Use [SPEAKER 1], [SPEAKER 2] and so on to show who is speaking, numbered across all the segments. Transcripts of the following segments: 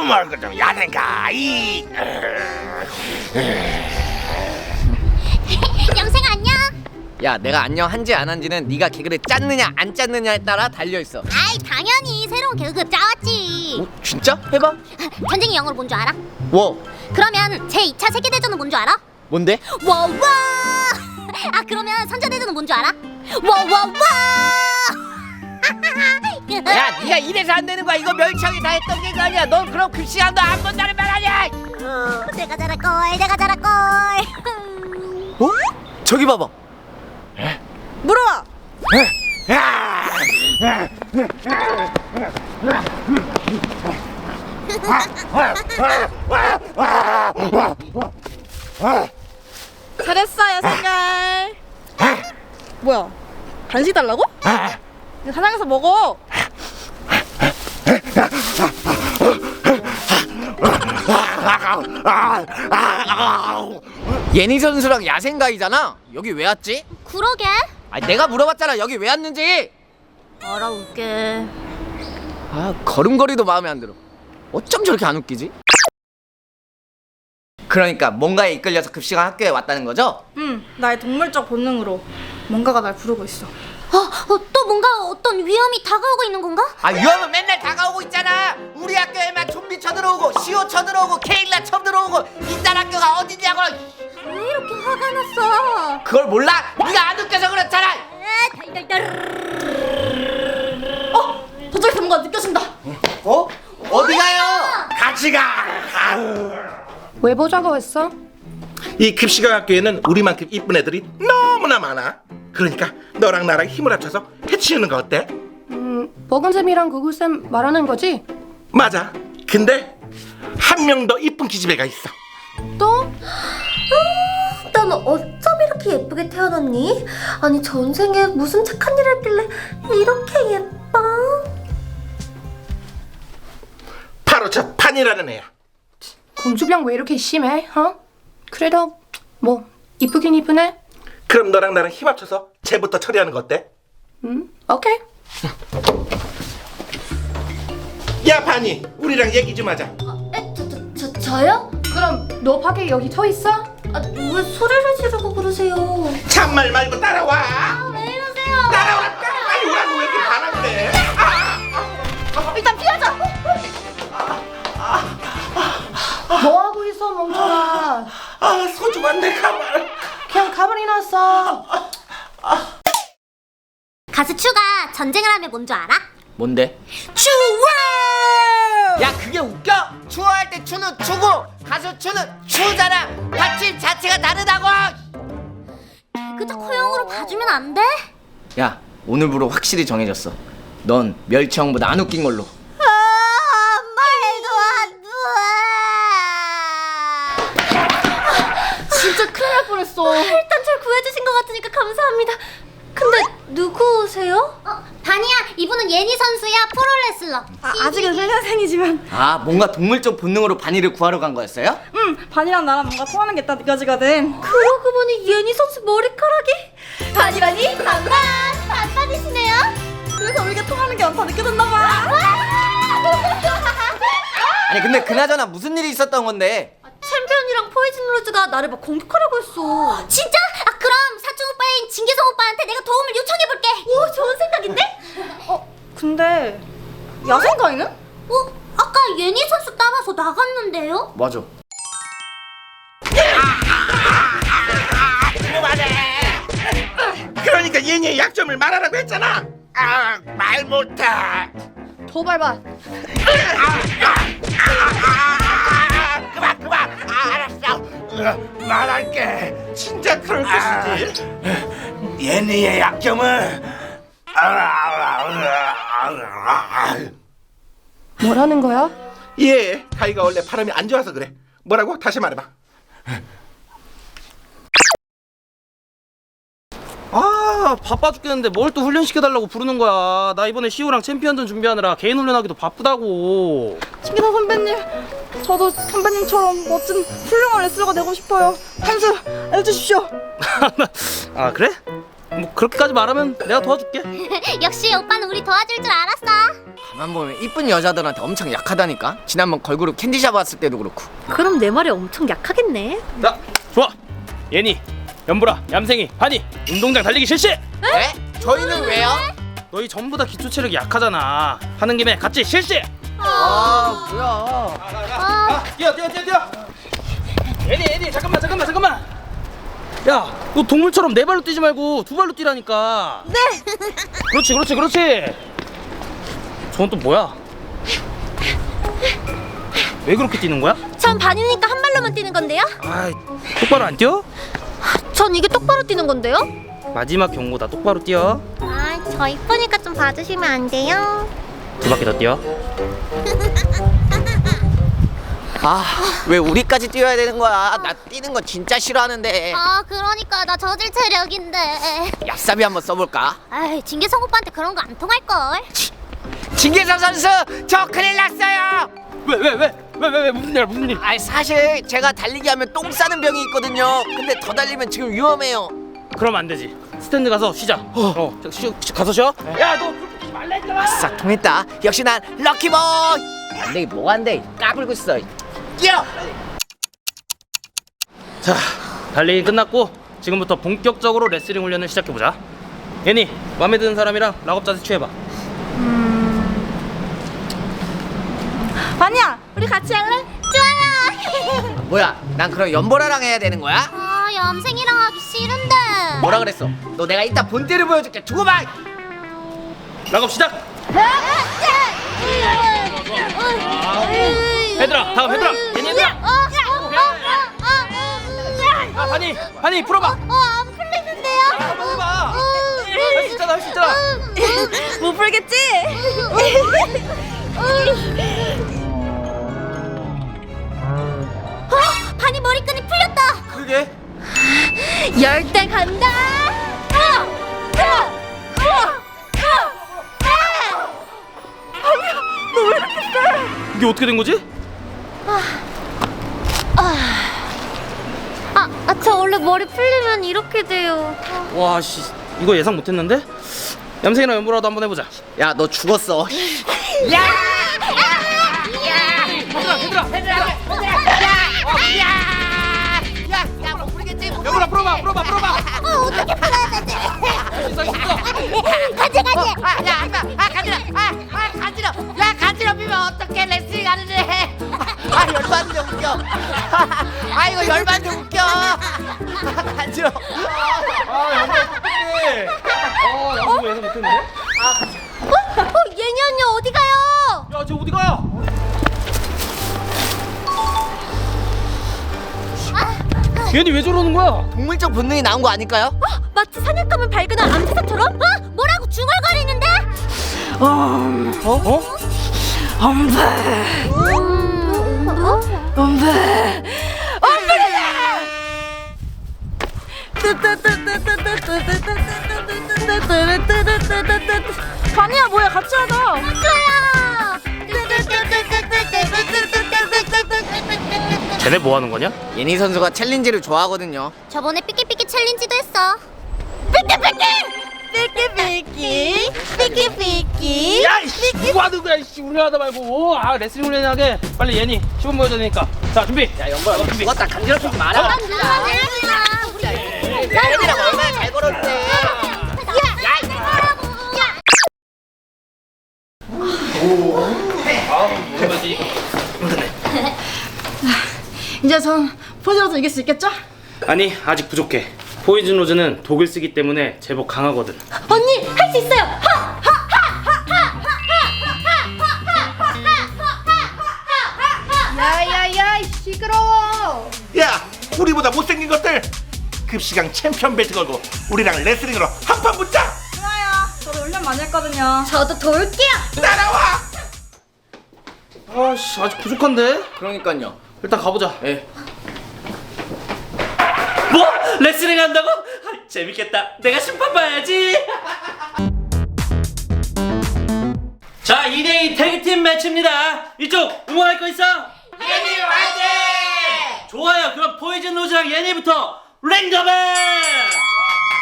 [SPEAKER 1] 말고 좀 야생가 이.
[SPEAKER 2] 영생 안녕.
[SPEAKER 3] 야, 내가 안녕 한지 안 한지는 네가 개그를 짰느냐 안 짰느냐에 따라 달려있어.
[SPEAKER 2] 아이 당연히 새로운 개그 짜왔지.
[SPEAKER 3] 어? 진짜? 해봐.
[SPEAKER 2] 전쟁이 영어로 뭔 줄 알아?
[SPEAKER 3] 워.
[SPEAKER 2] 그러면 제2차 세계대전은 뭔 줄 알아?
[SPEAKER 3] 뭔데?
[SPEAKER 2] 와와. 아 그러면 선제대전은 뭔 줄 알아? 와와와.
[SPEAKER 3] 야, 네가 이래서 안 되는 거야. 이거 멸치형이 다 했던 개그 아니야. 넌 그럼 급식한도 안 본다는 말 아니야.
[SPEAKER 2] 내가 잘할걸 내가 잘할걸.
[SPEAKER 3] 어? 저기 봐봐.
[SPEAKER 4] 물어봐. 잘했어 야생갈. 뭐야? 간식 달라고? 이거 사장에서 먹어.
[SPEAKER 3] 예니 선수랑 야생가이잖아. 여기 왜 왔지?
[SPEAKER 2] 그러게.
[SPEAKER 3] 아니, 내가 물어봤잖아. 여기 왜 왔는지.
[SPEAKER 2] 알아올게.
[SPEAKER 3] 아, 걸음걸이도 마음에 안 들어. 어쩜 저렇게 안 웃기지? 그러니까 뭔가에 이끌려서 급식한 학교에 왔다는 거죠?
[SPEAKER 4] 나의 동물적 본능으로 뭔가가 날 부르고 있어.
[SPEAKER 2] 또 뭔가 어떤 위험이 다가오고 있는 건가?
[SPEAKER 3] 아, 위험은 맨날 다가오고 있잖아. 우리 학교에만 좀비 쳐들어오고 시오 쳐들어오고 케일라 쳐들어오고 이딴 학교가 어디냐고.
[SPEAKER 2] 왜 이렇게 화가 났어?
[SPEAKER 3] 그걸 몰라? 네가 안 웃겨서 그렇잖아.
[SPEAKER 4] 저쪽에서 뭔가 느껴진다.
[SPEAKER 3] 어? 어디 가요?
[SPEAKER 1] 같이 가.
[SPEAKER 5] 왜 보자고 했어?
[SPEAKER 1] 이 급식학 학교에는 우리만큼 이쁜 애들이 너무나 많아. 그러니까 너랑 나랑 힘을 합쳐서 해치우는 거 어때?
[SPEAKER 5] 버금쌤이랑 구구쌤 말하는 거지?
[SPEAKER 1] 맞아. 근데 한 명 더 이쁜 기집애가 있어.
[SPEAKER 5] 또?
[SPEAKER 6] 넌 어쩜 이렇게 예쁘게 태어났니? 아니 전생에 무슨 착한 일을 했길래 이렇게 예뻐?
[SPEAKER 1] 바로 저 판이라는 애야.
[SPEAKER 5] 공주병 왜 이렇게 심해? 그래도 뭐 이쁘긴 이쁘네.
[SPEAKER 1] 그럼 너랑 나랑 힘 합쳐서 쟤부터 처리하는 거 어때?
[SPEAKER 5] 오케이.
[SPEAKER 1] 야 판이, 우리랑 얘기 좀 하자.
[SPEAKER 6] 저요?
[SPEAKER 5] 그럼 너 밖에 여기 서 있어?
[SPEAKER 6] 왜 소리를 지르고 그러세요?
[SPEAKER 1] 참말 말고 따라와.
[SPEAKER 6] 왜 이러세요?
[SPEAKER 1] 따라와. 빨리 오라고. 왜 이렇게 반항돼?
[SPEAKER 6] 일단 피하자.
[SPEAKER 5] 뭐 하고 있어 멍청아?
[SPEAKER 1] 소중한 내 가발.
[SPEAKER 5] 그냥 가만히 놨어.
[SPEAKER 2] 가수 추가 전쟁을 하면 뭔 줄 알아?
[SPEAKER 3] 뭔데?
[SPEAKER 2] 추월!
[SPEAKER 3] 야, 그게 웃겨? 추워할 때 추는 추고 가수 추는 추잖아. 받침 자체가 다르다고.
[SPEAKER 2] 그저 허용으로 봐주면 안 돼?
[SPEAKER 3] 야, 오늘부로 확실히 정해졌어. 넌 멸치형보다 안 웃긴 걸로.
[SPEAKER 2] 말도 안 돼.
[SPEAKER 4] 진짜 큰일 날 뻔했어.
[SPEAKER 6] 일단 절 구해주신 것 같으니까 감사합니다. 근데 누구세요?
[SPEAKER 2] 다니야, 이분은 예니 선수야, 프로레슬러.
[SPEAKER 4] 아직은 1년생이지만
[SPEAKER 3] 아, 뭔가 동물적 본능으로 바니를 구하러 간 거였어요?
[SPEAKER 4] 반이랑 나랑 뭔가 통하는 게 딱 느껴지거든.
[SPEAKER 6] 그러고 보니 예니 선수 머리카락이 반이라니 반반이시네요.
[SPEAKER 4] 그래서 우리가 통하는 게 많다 느껴졌나 봐.
[SPEAKER 3] 아니, 근데 그나저나 무슨 일이 있었던 건데?
[SPEAKER 6] 챔피언이랑 포이즌 로즈가 나를 막 공격하려고 했어.
[SPEAKER 2] 진짜? 그럼 사촌 오빠인 진계성 오빠한테 내가 도움을 요청해볼게.
[SPEAKER 6] 오 좋은 생각인데?
[SPEAKER 4] 근데 야생가이는?
[SPEAKER 2] 아까 예니 선수 따라서 나갔는데요?
[SPEAKER 3] 맞아.
[SPEAKER 1] 그러니까 얘네의 약점을 말하라고 했잖아. 말 못해.
[SPEAKER 4] 더 밟아.
[SPEAKER 1] 그만. 알았어. 말할게. 진짜 그럴 것이지. 얘네의 약점은
[SPEAKER 5] 뭐라는 거야?
[SPEAKER 1] 예, 가이가 원래 발음이 안 좋아서 그래. 뭐라고? 다시 말해봐.
[SPEAKER 7] 바빠 죽겠는데 뭘 또 훈련시켜달라고 부르는 거야. 나 이번에 시우랑 챔피언전 준비하느라 개인 훈련하기도 바쁘다고.
[SPEAKER 4] 신기사 선배님, 저도 선배님처럼 멋진 훌륭한 레슬러가 되고 싶어요. 한 수 해주십시오.
[SPEAKER 7] 아, 그래? 뭐 그렇게까지 말하면 내가 도와줄게.
[SPEAKER 2] 역시 오빠는 우리 도와줄 줄 알았어.
[SPEAKER 3] 가만 보면 이쁜 여자들한테 엄청 약하다니까. 지난번 걸그룹 캔디샵 왔을 때도 그렇고.
[SPEAKER 6] 그럼 내 말이 엄청 약하겠네.
[SPEAKER 7] 자, 좋아. 예니, 연보라, 얌생이, 한이 운동장 달리기 실시.
[SPEAKER 3] 네? 저희는 왜요?
[SPEAKER 7] 너희 전부 다 기초 체력이 약하잖아. 하는 김에 같이 실시.
[SPEAKER 3] 아 뭐야.
[SPEAKER 7] 뛰어. 예니, 잠깐만. 야, 너 동물처럼 네 발로 뛰지 말고 두 발로 뛰라니까.
[SPEAKER 2] 네.
[SPEAKER 7] 그렇지. 저건 또 뭐야? 왜 그렇게 뛰는 거야?
[SPEAKER 2] 전 반이니까 한 발로만 뛰는 건데요.
[SPEAKER 7] 아, 똑바로 안 뛰어?
[SPEAKER 2] 전 이게 똑바로 뛰는 건데요.
[SPEAKER 7] 마지막 경고다. 똑바로 뛰어.
[SPEAKER 2] 아, 저 이쁘니까 좀 봐주시면 안 돼요?
[SPEAKER 7] 두 바퀴 더 뛰어.
[SPEAKER 3] 아 왜 우리까지 뛰어야 되는 거야? 나 뛰는 거 진짜 싫어하는데.
[SPEAKER 2] 아, 그러니까 나 저질 체력인데.
[SPEAKER 3] 얍삽이 한번 써볼까?
[SPEAKER 2] 아이, 진계성 오빠한테 그런 거 안 통할 걸.
[SPEAKER 3] 진계성 선수 저 큰일 났어요.
[SPEAKER 7] 왜 무슨 일?
[SPEAKER 3] 아니 사실 제가 달리기 하면 똥 싸는 병이 있거든요. 근데 더 달리면 지금 위험해요.
[SPEAKER 7] 그럼 안 되지. 스탠드 가서 쉬자. 가서 쉬어. 야, 너
[SPEAKER 3] 아싸 통했다. 역시 난 럭키보이. 안돼 뭐가 안돼? 까불고 있어. 뛰어.
[SPEAKER 7] 자, 달리기 끝났고 지금부터 본격적으로 레슬링 훈련을 시작해보자. 예니, 마음에 드는 사람이랑 락업 자세 취해봐.
[SPEAKER 4] 반이야, 우리 같이 할래?
[SPEAKER 2] 좋아요.
[SPEAKER 3] 뭐야? 난 그럼 연보라랑 해야 되는 거야?
[SPEAKER 2] 아, 얌생이랑 하기 싫은데.
[SPEAKER 3] 뭐라 그랬어? 너 내가 이따 본때를 보여줄게. 두고 봐.
[SPEAKER 7] 락업 시작. 얘들아, 다음 얘들아. 예니 얘들아. 아, 한이 풀어봐.
[SPEAKER 2] 안 풀리는데요?
[SPEAKER 7] 한번 해봐. 할 수 있잖아.
[SPEAKER 4] 못 풀겠지?
[SPEAKER 2] 반이 머리끈이 풀렸다.
[SPEAKER 7] 그게
[SPEAKER 2] 열대 간다.
[SPEAKER 7] 이게 어떻게 된 거지?
[SPEAKER 2] 저 원래 머리 풀리면 이렇게 돼요.
[SPEAKER 7] 와, 씨, 이거 예상 못했는데. 얌생이랑 연보라도 한번 해보자.
[SPEAKER 3] 야 너 죽었어. 야못 풀겠지?
[SPEAKER 7] 연보라 풀어봐.
[SPEAKER 2] 어떻게 풀어야 되지? 가지.
[SPEAKER 3] 간지러. 간지럽히면 어떻게 레슬링 하는지 해. 열받는데 웃겨. 이거 열받는데 웃겨. 간지러.
[SPEAKER 7] 연보라 어떡해. 이거 예상 못했는데.
[SPEAKER 2] 예니 언니 어디 가요?
[SPEAKER 7] 야, 쟤 어디 가? 얘니 왜 저러는 거야?
[SPEAKER 3] 동물적 본능이 나온 거 아닐까요?
[SPEAKER 2] 마치 사냥감을 발견한 암사자처럼? 뭐라고 중얼거리는데?
[SPEAKER 4] 반이야, 뭐야, 같이 하자.
[SPEAKER 2] 좋아요.
[SPEAKER 7] 쟤네 뭐 하는 거냐?
[SPEAKER 3] 예니 선수가 챌린지를 좋아하거든요.
[SPEAKER 2] 저번에 삐끼삐끼 챌린지도 했어. 삐끼삐끼.
[SPEAKER 7] 야, 이씨, 누구 하는 거야? 이씨, 훈련하다 말고. 레슬링 훈련하게. 빨리 예니 시범 보여줘야 되니까. 자, 준비. 야, 연보야, 너 준비.
[SPEAKER 3] 죽었다. 간지럽히지 마라. 얘들아 얼마나 잘 걸었대.
[SPEAKER 4] 이제 전 포즈로도 이길 수 있겠죠?
[SPEAKER 7] 아니, 아직 부족해. 포이즌 로즈는 독을 쓰기 때문에 제법 강하거든.
[SPEAKER 2] 언니 할 수 있어요.
[SPEAKER 5] 야야야, 시끄러워.
[SPEAKER 1] 야, 우리보다 못생긴 것들 급식왕 챔피언 벨트 걸고 우리랑 레슬링으로 한판 붙자.
[SPEAKER 4] 좋아요. 저도 훈련 많이 했거든요.
[SPEAKER 2] 저도 도울게요.
[SPEAKER 1] 따라와.
[SPEAKER 7] 아씨, 아직 부족한데?
[SPEAKER 3] 그러니까요.
[SPEAKER 7] 일단 가보자.
[SPEAKER 3] 예.
[SPEAKER 8] 뭐? 레슬링 한다고? 재밌겠다. 내가 심판 봐야지. 자, 2대2 태그팀 매치입니다. 이쪽 응원할 거 있어? 예니 화이팅! 좋아요. 그럼 포이즌 로즈랑 예니부터 랭더맨!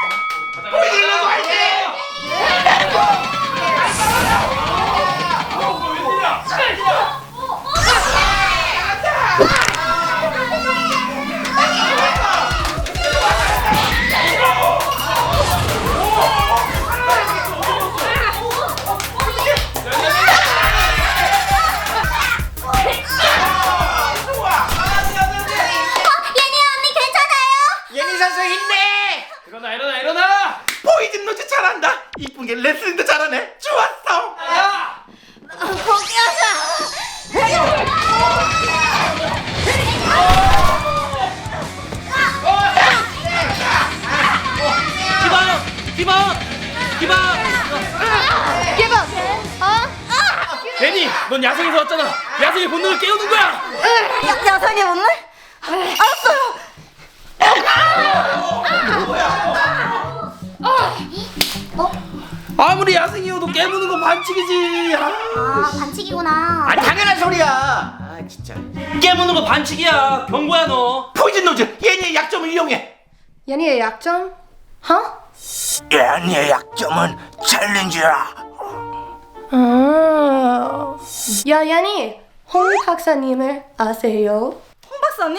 [SPEAKER 8] 포이즌 로즈 화이팅!
[SPEAKER 7] 넌 야생에서 왔잖아. 야생의 본능을 깨우는 거야.
[SPEAKER 4] 야상의 본능? 알았어요.
[SPEAKER 7] 아무리 야생이어도 깨무는 건 반칙이지.
[SPEAKER 2] 아, 반칙이구나.
[SPEAKER 3] 아 당연한 소리야. 아 진짜.
[SPEAKER 8] 깨무는 거 반칙이야. 경고야 너.
[SPEAKER 1] 포이즌 노즈 예니의 약점을 이용해.
[SPEAKER 5] 연희의 약점? 어?
[SPEAKER 1] 예니의 약점은 챌린지야.
[SPEAKER 5] 야, 연희, 홍 박사님을 아세요?
[SPEAKER 4] 홍 박사님?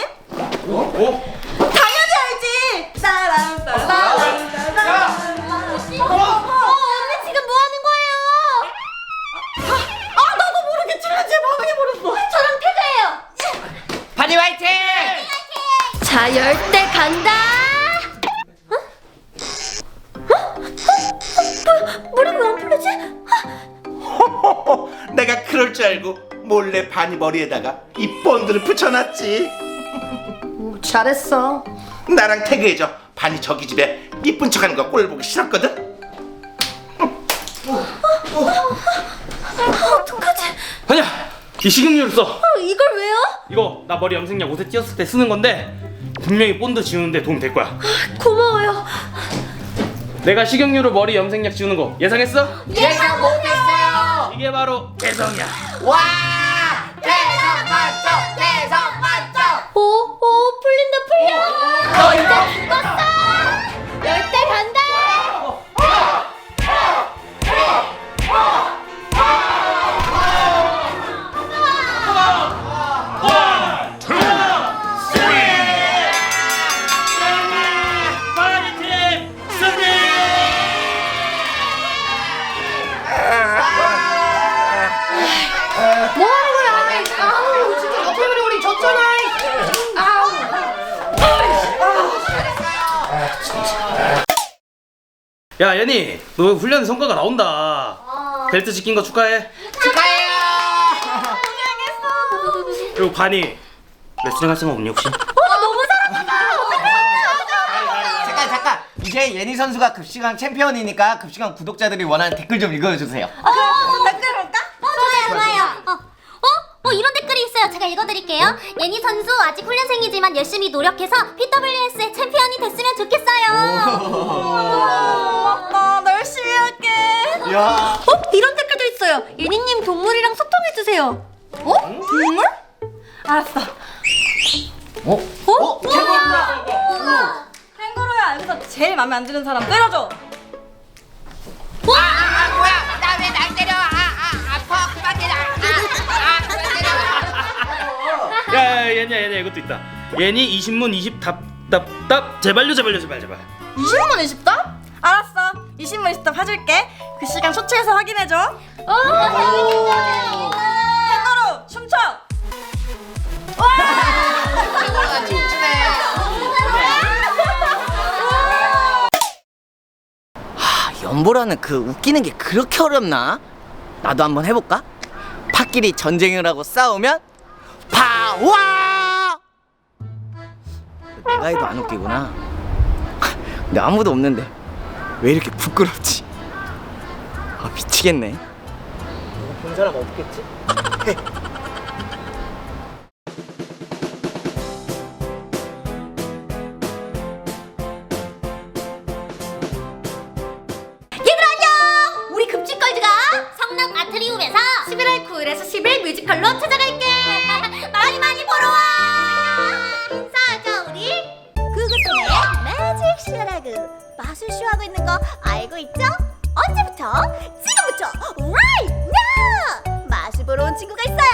[SPEAKER 4] 당연히 알지.
[SPEAKER 2] 언니 지금 뭐 하는 거예요?
[SPEAKER 4] 나도 모르게 챌린지에 반응해버렸어.
[SPEAKER 2] 저랑 태그예요.
[SPEAKER 3] 바니 화이팅!
[SPEAKER 6] 자, 열대 간다. 머리 왜 안 풀리지?
[SPEAKER 1] 내가 그럴 줄 알고 몰래 바니 머리에다가 이 본드를 붙여놨지.
[SPEAKER 5] 잘했어.
[SPEAKER 1] 나랑 태그해줘. 바니 저기 집에 이쁜 척하는 거 꼴 보기 싫었거든.
[SPEAKER 7] 아니야, 이 식용유를 써.
[SPEAKER 6] 이걸 왜요?
[SPEAKER 7] 이거 나 머리 염색약 옷에 띄었을 때 쓰는 건데 분명히 본드 지우는데 도움 될 거야.
[SPEAKER 6] 고마워요.
[SPEAKER 7] 내가 식용유로 머리 염색약 지우는 거 예상했어?
[SPEAKER 3] 예상 못했어요.
[SPEAKER 7] 이게 바로 개성이야.
[SPEAKER 3] 와 대성 만점 대성 만점.
[SPEAKER 6] 오, 풀린다, 풀려. 너 이제 죽었어. 열대 간다.
[SPEAKER 8] 파리팀 승리!
[SPEAKER 5] 뭐 하는 거야? 아우, 진짜 너 때문에 우리 졌잖아. 아우.
[SPEAKER 7] 야, 연희, 너 훈련 성과가 나온다. 벨트 지킨 거 축하해.
[SPEAKER 3] 축하해요.
[SPEAKER 7] 그리고 바니, 레슬링 할 생각 없니 혹시?
[SPEAKER 3] 잠깐. 이제 예니 선수가 급식왕 챔피언이니까 급식왕 구독자들이 원하는 댓글 좀 읽어주세요.
[SPEAKER 4] 댓글 볼까?
[SPEAKER 2] 좋아요. 이런 댓글이 있어요. 제가 읽어드릴게요. 예니 선수 아직 훈련생이지만 열심히 노력해서 PWS의 챔피언이 됐으면 좋겠어요.
[SPEAKER 4] 고맙다. 나 열심히 할게.
[SPEAKER 3] 야.
[SPEAKER 6] 이런 댓글도 있어요. 예니님 동물이랑 소통해주세요.
[SPEAKER 4] 동물? 알았어.
[SPEAKER 3] 캥거루다.
[SPEAKER 4] 캥거루야. 여기서 제일 마음에 안 드는 사람 때려줘.
[SPEAKER 3] 뭐야? 나 왜 날 때려? 아파 그만 때려. 그만 때려.
[SPEAKER 7] 야, 얘네 이것도 있다. 예니 20문 20 답 제발.
[SPEAKER 4] 20문 20답? 알았어. 20문 20답 해줄게. 그 시간 쇼츠에서 확인해줘. 캥거루 춤춰.
[SPEAKER 3] 캥거루가 춤추네. 연보라는 그 웃기는 게 그렇게 어렵나? 나도 한번 해볼까? 팥끼리 전쟁을 하고 싸우면 파와! 내가 해도 안 웃기구나. 근데 아무도 없는데 왜 이렇게 부끄럽지? 아 미치겠네. 본 사람 없겠지?
[SPEAKER 2] 우리 급식걸즈가 성남 아트리움에서 11월 9일에서 10일 뮤지컬로 찾아갈게. 많이 보러 와. 인사하자 우리. 구구쌤의 매직 쇼라고 마술쇼 하고 있는 거 알고 있죠? 언제부터? 지금부터 right now. 마술 보러 온 친구가 있어요.